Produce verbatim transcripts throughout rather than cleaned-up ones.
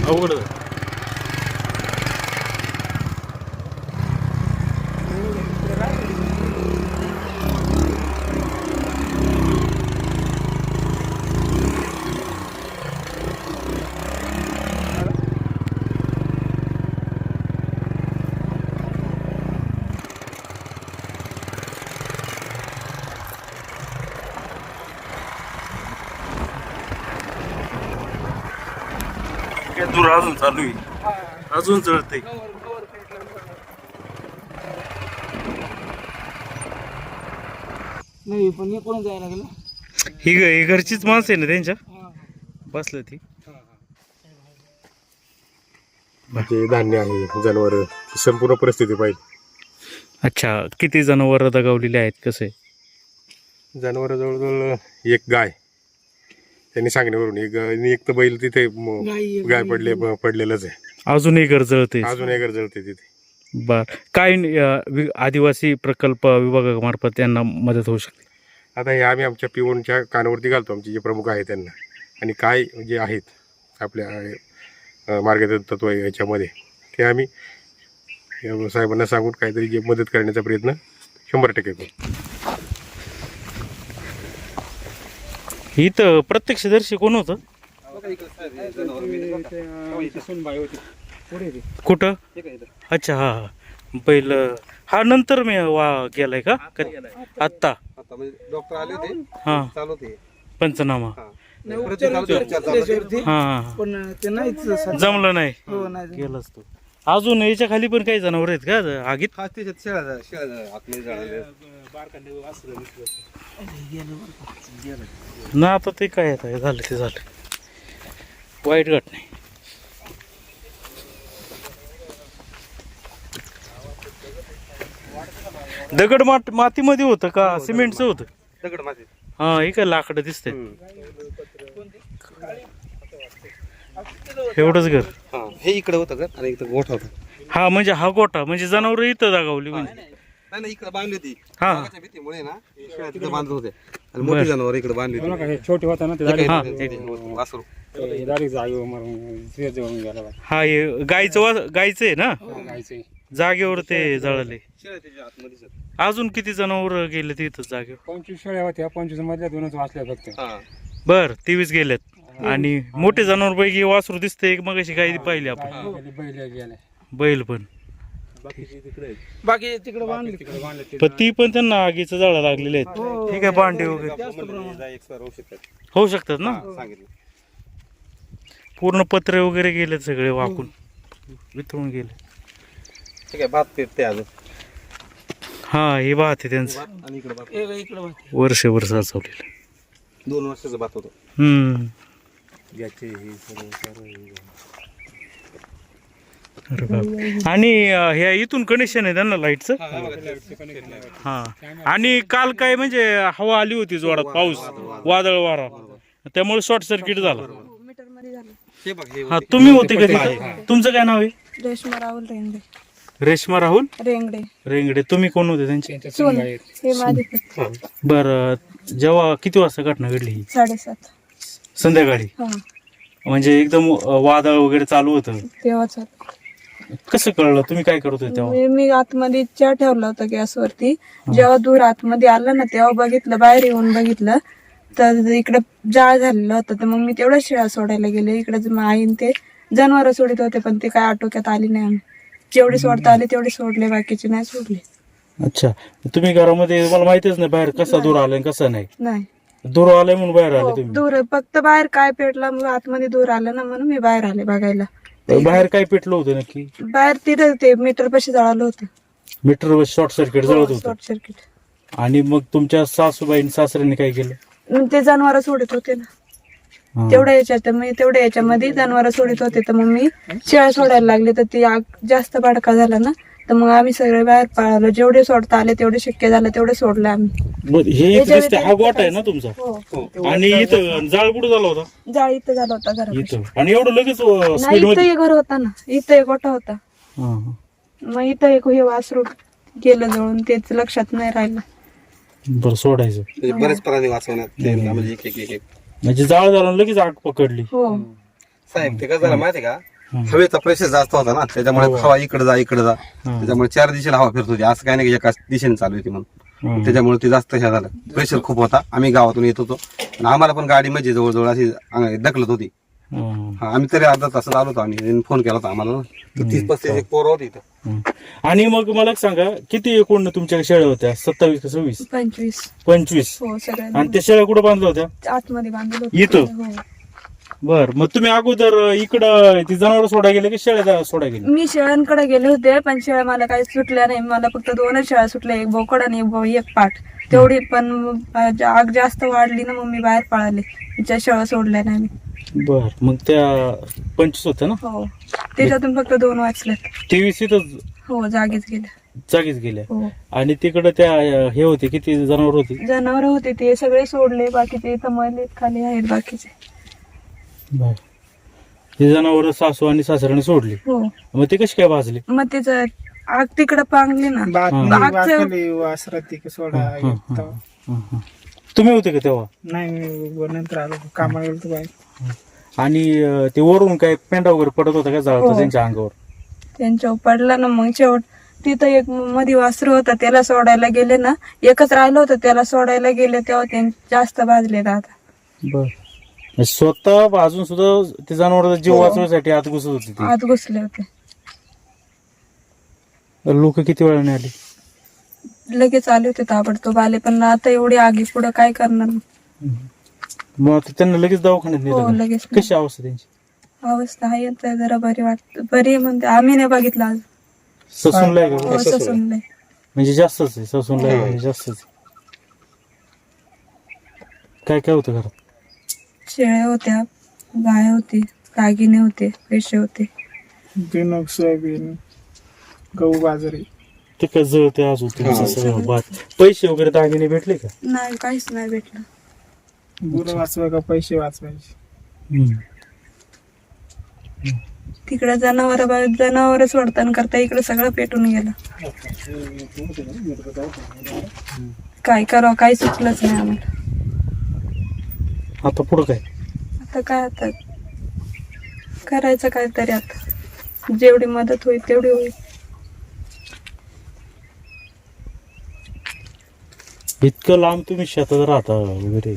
अवघड दूर अजून चालू आहे, अजून जळते. नाही पण हे कोण जायला लागलं. ही ग- ही घरचीच माणसं आहे ना त्यांच्या बसलं ती. जे धान्य आहे जनावर संपूर्ण परिस्थिती पाहिजे. अच्छा, किती जनावर दगावलेली आहेत कसे? जनावर जवळजवळ एक गाय त्यांनी सांगण्यावरून एक आणि एक तर बैल तिथे म- गाई- गाय पडले पडलेलंच आहे. अजूनही घर जळते. अजून एक जळते तिथे. बर, काय अं, वि- आदिवासी प्रकल्प विभागामार्फत त्यांना मदत होऊ शकते? आता हे आम्ही आमच्या पिओनच्या कानावरती घालतो, आमचे जे प्रमुख आहेत त्यांना, आणि काय जे आहेत आपल्या अं, मार्गदर्शक तत्व आहे याच्यामध्ये ते आम्ही या साहेबांना सांगून काहीतरी जे मदत करण्याचा प्रयत्न शंभर टक्के करू. इथं प्रत्यक्षदर्शी कोण होतं? कुठं? अच्छा, हा हा बैल हा नंतर मी वा गेलाय का कधी? आत्ता डॉक्टर आले होते, हा चालू होते. पंचनामा. नाही, उपचार होते त्याच्यावरती, हा हा पण ते नाहीच सर. जमलं नाही. हो नाही गेलाच तू. अजून याच्या खाली पण काही जनावर आहेत का आगीत? हा त्याच्यात शेळ्या शेळ्या आतमध्ये झालेल्या. ना आता ते काय आता झालं ते झालं, वाईट घटना आहे. दगड मात मातीमध्ये होतं का सिमेंटचं होतं? दगड माती. हा, हे काय लाकडं दिसतंय. एवढंच घर. हा, हे इकडे होतं का आणि इकडे गोठा होता. हा म्हणजे हा गोठा म्हणजे जनावर इथं दागावली म्हणजे. नाही नाही, इकडे बांधली होती. हा. वाघाच्या भीतीमुळे ना हे शेळ्या तिकडे बांधत होते आणि मोठी जनावर इकडे बांधली होती. छोटे होता ना हा. वासरू. ते डायरेक्ट जागेवर मारून सिरियस जाऊन गेला बा. हा, हे गायचं वा गायचं आहे ना, गायचे जागेवर ते जळाले. शेळ्या त्याच्या आतमध्ये. अजून किती जनावर गेले तिथं जागेवर? पंचवीस शेळ्या होत्या, पंचवीस मधल्या दोनच वाचल्या फक्त. हा. बर, तेवीस गेलेत. आणि मोठे जनावर पैकी वासरू दिसते मग अशी काही पाहिली आपण. गाय बैल गेले. बैल पण. बाकी तिकडे बांधले. तिकडे बांधले ते. पण ती पण त्यांना आगीचं जाळं लागलेले आहेत. ठीक आहे, भांडे वगैरे एक्सपायर होऊ शकतात. होऊ शकतात ना. सांगितलं. पूर्ण पत्रे वगैरे गेलेत सगळे वाकून वितळून गेले. ठीक आहे, भात पेरते अजून. हा, हे भात आहे त्यांचं आणि इकडे भात. एक इकडे बांधले. वर्ष वर्ष साचवलेलं. दोन वर्षाचं भात होतं. हम्म. अरे बाप. आणि अं, ह्या इथून कनेक्शन आहे त्यांना लाईटचं. हा, आणि काल काय म्हणजे हवा आली होती जोरात, पाऊस वादळ वारा, त्यामुळे शॉर्ट सर्किट झाला. हे बघ हे हा, तुम्ही होते कधी? तुमचं काय नाव आहे? रेश्मा राहुल रेंगडे. रेश्मा राहुल रेंगडे रेंगडे. तुम्ही कोण होते त्यांचे? सोन हे माझे बर, जेव्हा किती वाजता घटना घडली ही? साडेसात. संध्याकाळी. हा म्हणजे एकदम अं, वादळ वगैरे चालू होतं. तेव्हाच कसं कळलं? तुम्ही काय करत होते तेव्हा? मी मी आतमध्ये चहा ठेवला होता गॅसवरती. जेव्हा दूर आतमध्ये आलं ना तेव्हा बघितलं, बाहेर येऊन बघितलं तर इकडे जाळ झालेलं होतं. तर मग मी तेवढ्या शेळ्या सोडायला गेले. इकडे आईन ते जनावर सोडित होते पण ते काय आटोक्यात आली नाही. आम्ही जेवढे सोडता आले तेवढे सोडले, बाकीचे नाही सोडले. तुम्ही तुम्ही घरामध्ये मला माहितीच नाही बाहेर कसा दूर आलाय कसा नाही. नाही दूर आलाय म्हणून बाहेर आले हो, तुम्ही? दूर फक्त बाहेर काय पेटला मग आतमध्ये दूर आलं ना म्हणून मी बाहेर आले बघायला. बाहेर काय पेटलं होतं नक्की? बाहेर तिथे ते मीटर पाशी जळालं होतं. मीटर शॉर्ट सर्किट जळत होतं. Short circuit. आणि मग तुमच्या सासूबाई सासऱ्यांनी काय केलं? मग ते जनावर सोडत होते ना तेवढ्या याच्यात, मी तेवढ्या याच्यामध्ये जनावर सोडत होते. तर मग मी शेळ्या सोडायला लागले तर ती आग जास्त भडका झाला ना, तर मग आम्ही सगळे बाहेर पळालो. जेवढे सोडता आले तेवढे शक्य झालं तेवढे सोडले आम्ही. मग हे इथं दिसते, हा गोठा आहे ना तुमचा? हो, आणि इथं जाळ कुठं झाला होता? जाळ इथं झाला होता घरापाशी. इथं. आणि एवढं लगेच नाही, स्पीड इथं मध्ये? एक घर होता ना, इथं एक गोठा होता. हा, हा. मग इथं एक हे वासरू गेलं जळून, तेच लक्षात नाही राहिलं. बरं, सोडायचं. म्हणजे बरेच प्राणी वाचवण्यात ते म्हणजे एक एक एक एक म्हणजे जाळ झाला लगेच आग पकडली. हो साहेब ते कसं झालं माहिती का, हवेचा प्रेशर जास्त होता ना, त्याच्यामुळे हवा इकडे जा इकडे जा, त्याच्यामुळे चार दिशेला हवा फिरत होती. असं काही नाही की एका दिशेने चालू होती म्हणून, त्याच्यामुळे ते जास्त हे झालं. प्रेशर खूप होता. आम्ही गावातून येत होतो आणि आम्हाला पण गाडी म्हणजे जवळजवळ अशी ढकलत होती. हा, आम्ही तरी अर्धा तासात आलो होतो. आम्ही फोन केला होता आम्हाला, तीस पस्तीस एक पोरं होती इथं. आणि मग मला एक सांगा, किती एकूण तुमच्या शेळ्या होत्या? सत्तावीस का सव्वीस? पंचवीस. पंचवीस. हो सगळ्या आणि त्या शेळ्या कुठे बांधल्या होत्या? आतमध्ये बांधलं होतं. इथं? हो. बर, मग तुम्ही अगोदर इकडं ती जनावर सोडा गेले की शेळ्या सोडा गेले? मी शेळ्यांकडे गेले होते, पण शेळ्या मला काही सुटल्या नाही. मला फक्त दोनच शेळ्या सुटल्या, एक बोकड आणि एक बो- एक पाठ तेवढी. पण आग जास्त वाढली ना, मग मी बाहेर पळाले. तिच्या शेळ्या सोडल्या नाही मी. बर, मग त्या पंचवीस होत्या ना? हो, त्याच्यातून फक्त दोन वाचल्यात. तेवीस इथं हो, जागीच गेल्या. जागीच गेल्या. हो, आणि तिकडं त्या हे होते, किती जनावर होती? जनावर होते ते सगळे सोडले, बाकीचे इथं मले खाली आहेत बाकीचे. बर, हे जनावर सासू आणि सासऱ्याने सोडली. हो, मग ते कशी काय भाजली? मग त्याचं आग तिकडं पांगली ना. बातमी मागचं- वाचली वासरात ती सोडा हं, हं, हं, हं. तुम्ही होते का तेव्हा? नाही, मी नंतर आलो कामाला गेलो होतो बाहेर. आणि अं, ते वरून काय पेंडा वगैरे पडत होता का जाळत हो. त्यांच्या अंगावर? त्यांच्यावर पडला ना. मग शेवट तिथं एक मध्ये वासरू होता, त्याला सोडायला गेले ना, एकच राहिलं होतं, त्याला सोडायला गेले तेव्हा ते जास्त भाजले दादा. बर, स्वतः भाजून सुद्धा ते जनावर जीव वाचवण्यासाठी आत घुसत होती ती. आत घुसले होते. लोक किती वेळाने आले? लगेच आले होते ताबडतोब आले, पण आता एवढी आगी पुढे काय करणार. मग आता त्यांना लगेच दवाखान्यात हो, नेलं का? लगेच. कशी अवस्था त्यांची? अवस्था आहे आता जरा बरी वाटत. बरी म्हणते, आम्ही नाही बघितलं आज. ससूनला आहे का? हो, ससूनलंय. म्हणजे जास्तच आहे, ससूनला आहे म्हणजे जास्तच आहे. काय काय होतं घरात? शेळ्या होत्या, गाय होती, दागिने होते, पैसे होते. बिनोग, सोयाबीन, गहू, बाजरी. ते काय जळते आज होते सगळं बात. पैसे वगैरे दागिने भेटले का? नाही, काहीच नाही भेटलं. गुरं वाचवाय का पैसे वाचवायचे. हम्म. तिकडे जनावर जनावर सोडताना करता इकडे सगळं पेटून गेलं. काय करावं काही सुचलंच नाही आम्हाला. आता पुढं काय? आता काय आता करायचं काहीतरी. आता जेवढी मदत होईल तेवढी होईल. इतकं लांब तुम्ही शेतात राहता वगैरे,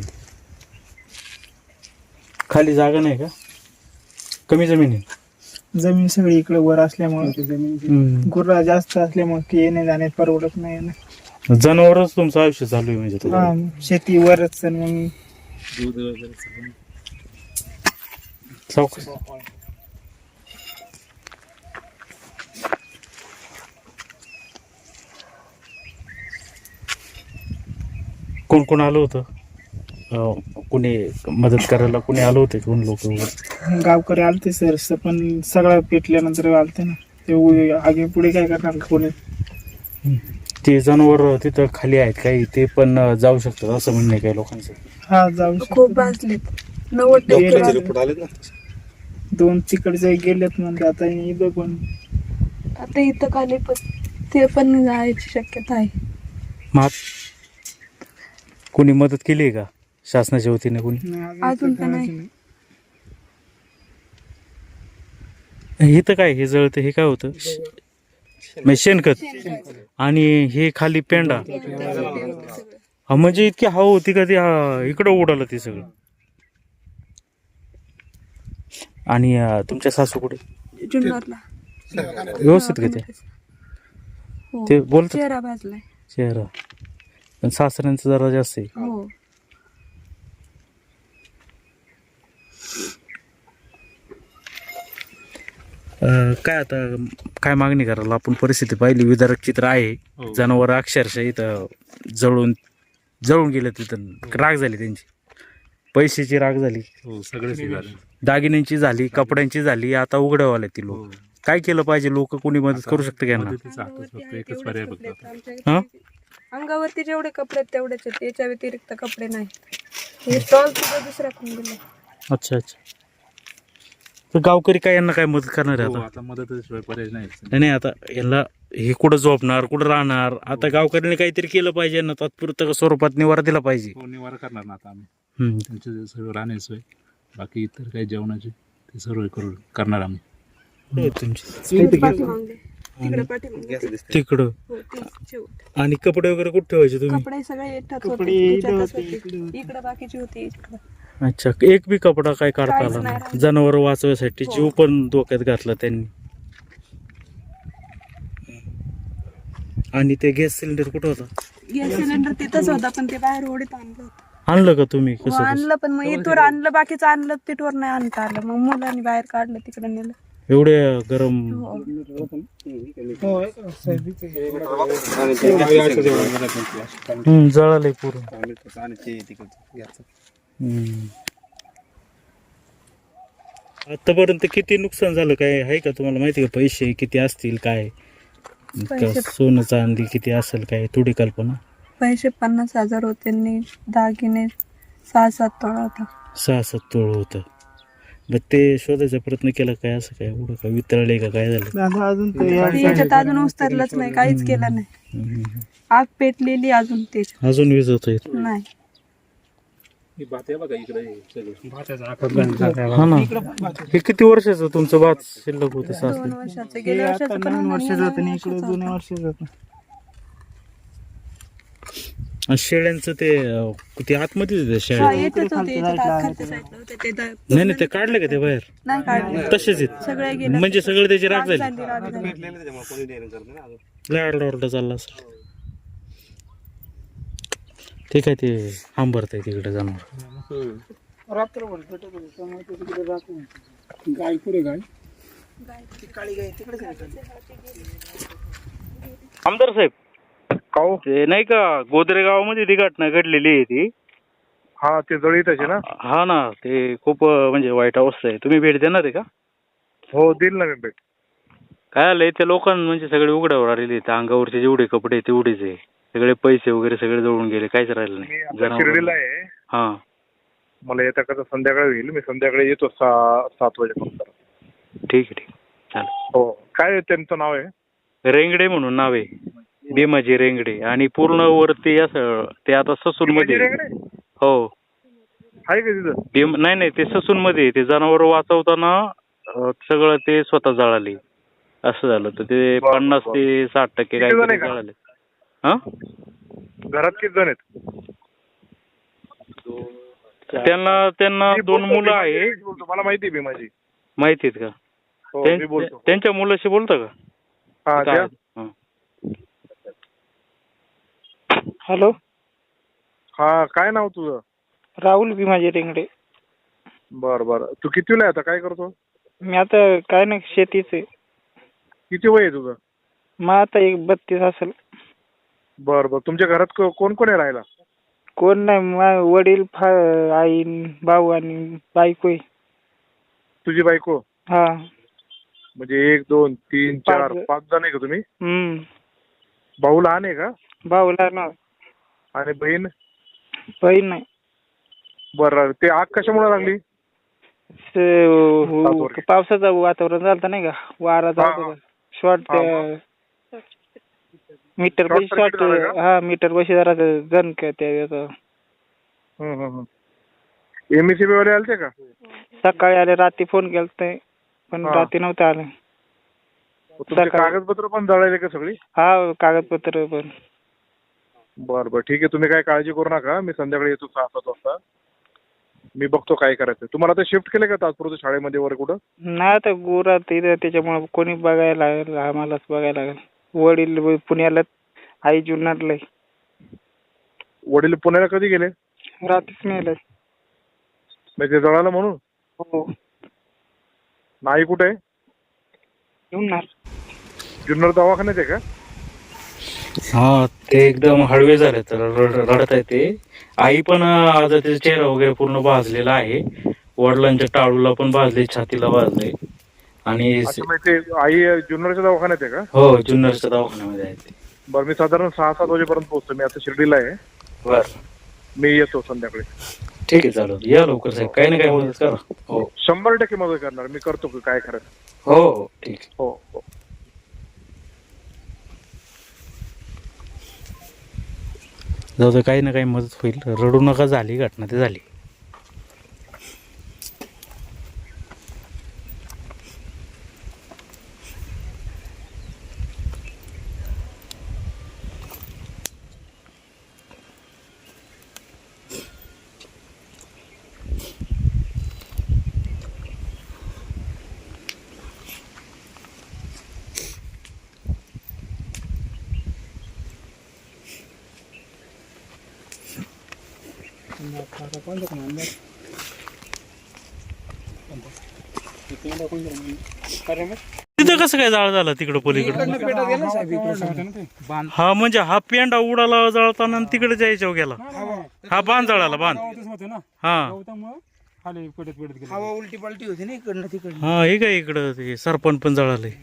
खाली जागा नाही का? कमी जमीन आहे? जमीन सगळी इकडे वर असल्यामुळे, गुरा जास्त असल्यामुळे ते येणे जाण्यात परवडत नाही ना. जनावरच तुमचं आयुष्य चालू आहे म्हणजे तुला? हा, शेती वरच. आणि मग सावकाश. कोण कोण आलं होतं? अं, कोणी मदत करायला कोणी आलं होते? कोण लोक? गावकरी आलते सर, पण सगळं पेटल्यानंतर आलते ना. ते आगे पुढे काय करणार कोणी. ते जनावर तिथं खाली आहेत काही, ते पण जाऊ शकतात असं म्हणणं आहे काही लोकांचं. हा, जाऊ खूप भाजलेत. नव्वद टक्के डॉक्टरचे भाजले. रिपोर्ट आलेत ना. दोन तिकडचे गेलेत म्हणजे आता इथं पण. आता इथं खाली पण ते पण जायची शक्यता आहे. मग कोणी मदत केली आहे का शासनाच्या वतीने? कोणी नाही, अजून तर तर नाही. नाही. हे तर काय, हे जळतं हे काय होतं? म्हणजे शेणखत. आणि हे खाली पेंडा. हा, म्हणजे इतकी हवा होती का ती हा, इकडं उडालं ते सगळं. आणि अं, तुमच्या सासू कुठे? जुन्नरला. व्यवस्थित का ते? हो. ते बोलतात? चेहरा भाजलाय. चेहरा. पण सासऱ्यांचं जरा जास्त आहे. हो. अं, काय आता काय मागणी करायला आपण? परिस्थिती पाहिली, विदारक चित्र आहे. जनावर अक्षरशः इथं जळून जळून गेले, तिथं राग झाली त्यांची. पैशाची राग झाली, दागिन्यांची झाली, कपड्यांची झाली. आता उघड्यावाले ती लोक. काय केलं पाहिजे? लोक कोणी मदत करू शकतं का यांना? हा? अंगावरती जेवढे कपडे आहेत तेवढेच आहेत, त्याच्या व्यतिरिक्त कपडे नाही. हे स्टॉल सुद्धा दुसऱ्या कोण दिले. अच्छा अच्छा. तर गावकरी काय यांना काय मदत करणार आहे आता? आता मदतीशिवाय पर्याय नाही. नाही नाही, आता यांना हे कुठं झोपणार, कुठं राहणार? आता गावकऱ्यांनी काहीतरी केलं पाहिजे ना, तात्पुरतं स्वरूपात निवारा दिला पाहिजे. हो, निवारा करणार ना आता आम्ही. हम्म. त्यांचे सर्व राहण्याची सोय, बाकी इतर काही जेवणाची ते सर्व करू करणार आम्ही. कुठे आहेत तुमची? पाठीमागे. तिकडे पाठीमागे. तिकडं. हो, ते शेवट. आणि कपडे वगैरे कुठे ठेवायचे तुम्ही? कपडे सगळे येतात कपडे होते इथं त्याच्यातच होते, होते. इकडे. इकडे बाकीची होती इकडे. अच्छा, एक बी कपडा काय काढता काहीच आला नाही नाही. राहिलं. जनावर वाचवायसाठी जीव पण धोक्यात घातला त्यांनी. आणि ते गॅस सिलेंडर कुठं होता? गॅस सिलेंडर तिथंच होता पण ते बाहेर ओढीत आणलं होतं. आणलं का तुम्ही? हो, कसं कसं? आणलं पण मग इथवर आणलं बाकीचं आणलं तिथवर नाही आणता आलं मग मुलांनी बाहेर काढलं तिकडे नेलं. एवढे गरम. हो. हो साहेब इथे. हम्म, जळाले पूर्ण. हम्म. आतापर्यंत किती नुकसान झालं काय आहे का तुम्हाला माहिती का? पैसे किती असतील काय? का पैसे- सोनं चांदी किती असेल काय थोडी कल्पना? पैसे पन्नास हजार होते आणि दागिने सहा सात तोळा होता. सहा सात तोळ होतं. मग ते शोधायचा प्रयत्न केला काय? असं काय एवढं काय वितळले का काय झालं? दादा अजून तर या ते याच्यात अजून उतरलंच नाही काहीच केलं नाही. हम्म. आग पेटलेली अजून त्याच्यात अजून वीज होतोय. नाही. ही भात आहे बघा इकडे हे सगळं. भाताचा आकार बंद झाला. हा ना. हे किती वर्षाचं तुमचं भात शिल्लक होतं? दोन सासरे वर्षाचं हे गेल्या आता वर्षाचं पण नवीन आणि वर्ष या जातं नवीन आणि इकडे वर्षाचं जुन्या होतं. वर्ष जातं. आणि शेळ्यांचं ते अं, ते आतमध्ये होते हा, शेळ्या? येतच होते याच्यात आत खालच्या साईडला होते ते दा- नाही नाही, ते काढले का ते बाहेर? नाही काढले तसेच आहेत. सगळे गेले. म्हणजे सगळे त्याची राग झाली. झाली राग झाली. लय आरडा ओरडा चालला असेल. ठीक आहे, ते हांबरत आहे तिकडे जनावर. रात्रभर पेटत होते त्यामुळे ते तिकडे जात नाही. गाय पुढे गाय ती काळी गाय तिकडेच आहे. आमदार साहेब, ते नाही का गोदरे गावामध्ये ती घटना घडलेली आहे ती? हा, ते जळीत आहे ना? हा ना, ते खूप अं, म्हणजे वाईट अवस्था आहे. तुम्ही भेट देणार आहे का? हो, देईल ना मी भेट. काय आलंय त्या लोकांना म्हणजे सगळे उघड्यावर आलेले आहेत. अंगावरचे जेवढे कपडे तेवढेच आहे. सगळे पैसे वगैरे सगळे जळून गेले. काहीच राहिलं मी नाही. आता शिर्डीला आहे. हा, मला येता कसं संध्याकाळी होईल. मी संध्याकाळी येतो सहा सात वाजेपर्यंत. ठीक आहे, ठीक आहे, चालेल. हो, काय त्यांचं नाव आहे? रेंगडे म्हणून नाव आहे, भीमाजी रेंगडे. आणि पूर्ण वरती असं ते आता ससून मध्ये. हो, आहे का तिथं? भीम नाही नाही, ते ससून मध्ये ते जनावर वाचवताना अं, सगळं ते स्वतः जळाले. असं झालं तर ते बरं, पन्नास बरं. ते साठ टक्के किती जण काय आहे का? जळाले. हा, घरात किती जण आहेत? त्यांना त्यांना मी दोन बोलतो, मुलं मी आहे. बोलतो. मला माहिती आहे माझी. माहिती आहेत का? हो, त्यां- मी बोलतो. त्यांच्या मुलाशी बोलता का? हा, काय? द्या. हा. हॅलो, हा, काय नाव तुझं? राहुल भीमाजी रेंगडे. बर बर. तू कितवीला आहे आता? काय करतो? मी आता काय नाही शेतीच आहे. किती वय आहे तुझं? मग आता एक बत्तीस असेल. बर बर. तुमच्या घरात को- कोण कोण आहे राहायला? कोण नाही, मा- वडील फा आई भाऊ आणि बायको आहे. तुझी बायको? हा. म्हणजे एक दोन तीन पाच चार जण. पाच जण आहे का तुम्ही? हम्म. भाऊ लहान आहे का? भाऊ लहान, आणि बहीण? बहीण नाही. बर. ते आग कशामुळे लागली? स- हो, पावसाचं वातावरण झालं नाही का, वारा हा, झाला हा. शॉर्ट हा, मीटर Short बशी circuit शॉर्ट झालं का? हा मीटर बशी जरा जण त्या एमएससीबी वाले आलते का? सकाळी आले, रात्री फोन केलता पण हा. रात्री नव्हते आले. तुमचे सकाळी. कागदपत्र पण जळाले का सगळी? हा, कागदपत्र पण. बर बर, ठीक आहे. तुम्ही काय काळजी करू नका. मी संध्याकाळी येतो सहा सात वाजता. मी बघतो काय करायचं. तुम्हाला आता शिफ्ट केलं का तात्पुरतं शाळेमध्ये वगैरे कुठं? नाही, आता गुरात इथं त्याच्यामुळे कोणी बघायला लागेल, आम्हालाच बघायला लागेल. वडील पुण्याला, आई जुन्नरला आहे. वडील पुण्याला कधी गेले? रात्रीच नेलं. म्हणजे ते जळालं म्हणून? हो. नाही, कुठे आहे? जुन्नर. जुन्नर दवाखान्यात आहे का? हा, ते एकदम हळवे झाले तर रड- रडत आहे ते. आई पण आता त्याचा चेहरा वगैरे पूर्ण भाजलेला आहे. वडिलांच्या टाळूला पण भाजले, छातीला भाजले. आणि अच्छा, म्हणजे ते आई जुन्नरच्या दवाखान्यात आहे का? हो, जुन्नरच्या दवाखान्यामध्ये आहे ते. बरं, मी साधारण सहा सात वाजेपर्यंत पोहोचतो. मी आता शिर्डीला आहे. बर, मी येतो संध्याकाळी. ठीक आहे, चालेल. या लवकर साहेब, काही ना काही मदत करा. हो शंभर टक्के मदत करणार. मी करतो की काय करायचं. हो हो, ठीक आहे. हो हो. जाऊ दे, काही ना काही मदत होईल. रडू नका, झाली घटना ते झाली. आता कोणतं पण अंदाज कोणतं कोणतं कारण मग तिथं कसं काय जाळ झाला तिकडं पलीकडे? हा म्हणजे हा पेंडा उडाला जळताना आणि तिकडे जायच्यावर गेला. हा बांध जळाला बांध. गावातच होतं ना हा गवतामुळं खाली पडत पडत गेलं. हवा उलटी पलटी होती ना इकडनं तिकडनं. हा हे काय इकडं ते सरपण पण जळालंय.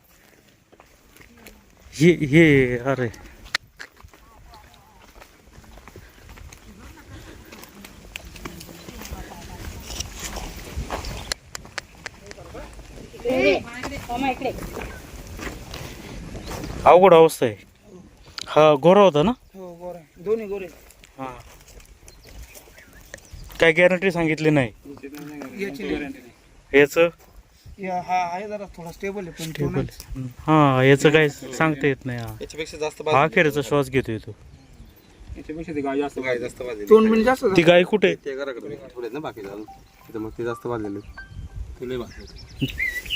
हे हे अरे अवघड अवस्था आहे. हा गोरा होता ना? हो गोरा दोन्ही गोरे. हा काय गॅरंटी सांगितली नाही याची याच. या हा आहे जरा थोडा स्टेबल आहे पण तो टेबल नाही. हा याचं काय सांगता येत नाही. हा याच्यापेक्षा जास्त हा अखेरचा श्वास घेतोय तो. याच्यापेक्षा ते गाय जास्त गाय जास्त वाजलेली तोंड पण जास्त ती गाय कुठे? ते घराकडे थोडे ना बाकी अजून तिथं मग ते जास्त वाजलेले. तुला बाकी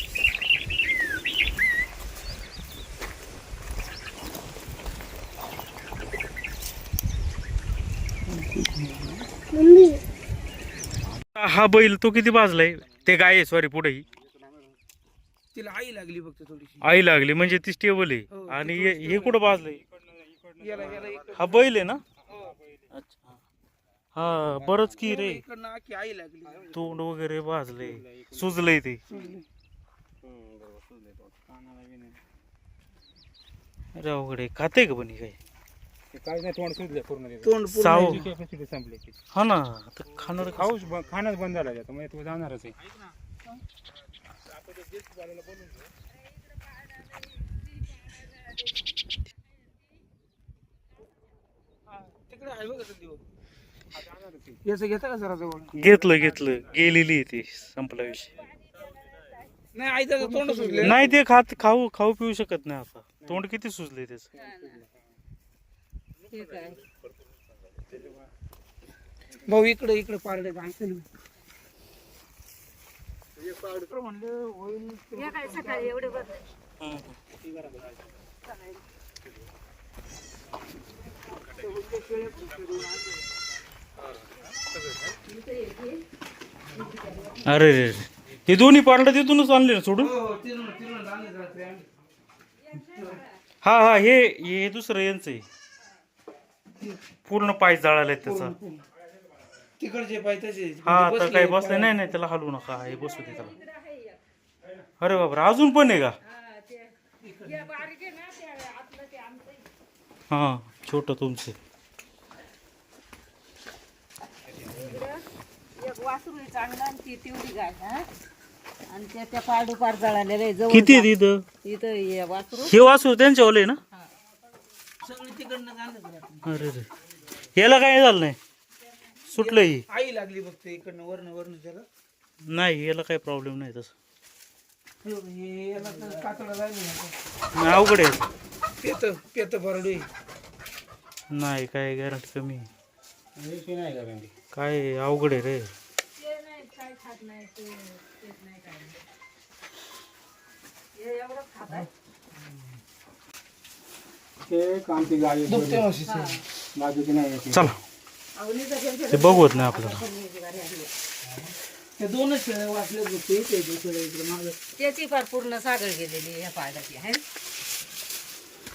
हा बैल तो किती बाजलाय? ते गाय आहे सॉरी पुढे ही तिला आई लागली फक्त थोडीशी. आई लागली म्हणजे ती स्टेबल आहे. आणि हे हे कुठं बाजलंय? याला याला इकडं- हा बैल आहे ना? अच्छा हा बरंच की रे. इकडनं आखी आई लागली. तोंड वगैरे भाजले सुजलंय ते. अरे अवघड आहे. खाते का पण ही काय? काय नाही तोंड सुटले पूर्ण त्याचं. तोंड पूर्ण साव त्याची कॅपॅसिटी संपली त्याची. हा ना आता खाणार खाऊ. खाऊच ब- खाणंच बंद झालं त्याचं म्हणजे तू जाणारच आहे. तिकडे आहे बघा संदीप. याचं घेता का जरा जवळ? घेतलं घेतलं गेलेली आहे ती. संपला विषय. नाही आई त्याचं तोंड सुटले. नाही ते खात खाऊ खाऊ पिऊ शकत नाही आता. तोंड किती सुजले त्याच. भाऊ इकडे इकडे पारडे म्हणलं होईल. अरे रे रे. हे दोन्ही पार्ट तिथूनच आणले ना सोडून? हो, तिरून- तिरून आणले जरा ते आम्ही. हा हा हे हे दुसरं यांचं आहे. पूर्ण पाय जळाले त्याचा. तिकडचे पाय तसे हा आता काही बसले नाही नाही त्याला हलवू नका. हे बसू दे त्याला. अरे बापरे अजून पण आहे का? हा छोट तुमचे. एक वासरू आहे चांगला आणि ती तेवढी गाय हा आणि त्या त्या पाडूपार जळालेलं आहे जवळ किती आहे तिथं? इथं हे वासरू हे वासू त्यांच्या ओले ना? सगळे तिकडनं आणलं जरा. अरे रे याला काय झालं नाही? सुटलं ही? आई लागली फक्त इकडनं वरनं वरनं त्याला. नाही याला काही प्रॉब्लेम नाही तसं. हे याला तर कातडा जायला नाही, अवघड आहे. पेत पेत भरडू नाही काय गॅरंटी कमी आहे. विषय नाही का भेंडी? काय अवघड आहे रे. ते कामती गाय आहे दुखते थोडी. म्हशीचं. बाकीची नाही आहे ती. चला ते बघवत नाही आपल्याला. ते दोनच शेळ्या वाचले दुखते ते शेळ्या इकडे मागं. त्याची फार पूर्ण सागळ गेलेली ह्या पाडाची आहे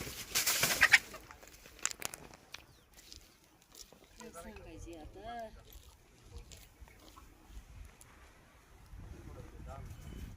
सांगायची आता